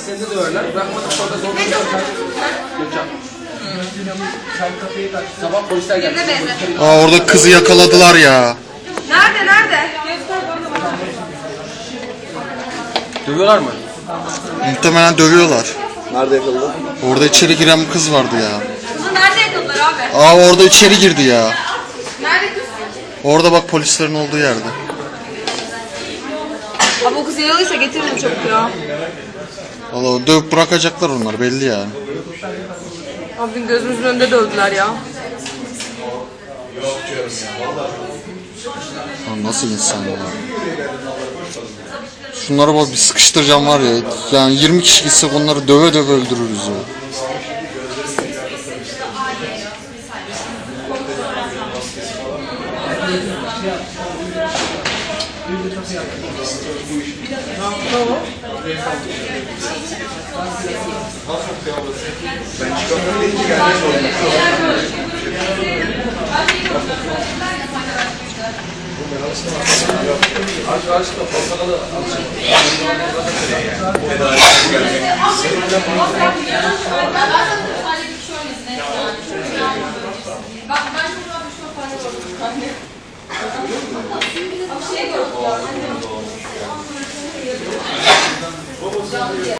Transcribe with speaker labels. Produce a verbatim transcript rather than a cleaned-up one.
Speaker 1: Seni de döverler. Bırakmadık sonra zorla döverler. Gökhan. Sabah polisler geldi.
Speaker 2: Aa, orada kızı yakaladılar ya.
Speaker 3: Nerede nerede?
Speaker 1: Dövüyorlar mı?
Speaker 2: Muhtemelen dövüyorlar.
Speaker 1: Nerede yakaladı?
Speaker 2: Orada içeri giren bir kız vardı ya.
Speaker 3: Kızı nerede yakaladılar abi?
Speaker 2: Aa, orada içeri girdi ya.
Speaker 3: Nerede kız?
Speaker 2: Orada bak, polislerin olduğu yerde.
Speaker 3: Abi o kız yaralıysa getiririm çabuk ya.
Speaker 2: Valla dövüp bırakacaklar onlar, belli yani.
Speaker 3: Abi gözümüzün önünde dövdüler ya.
Speaker 2: Lan nasıl insan ya? Şunlara bak, bir sıkıştıracağım var ya. Yani yirmi kişi gitsek onları döve döve öldürürüz ya.
Speaker 4: Ben çıkamıyorum deyince gelmek zorunda.
Speaker 1: Aç aç da fazla da
Speaker 5: Bak ben çok rahat bir şey yaparım. Bir şey yok.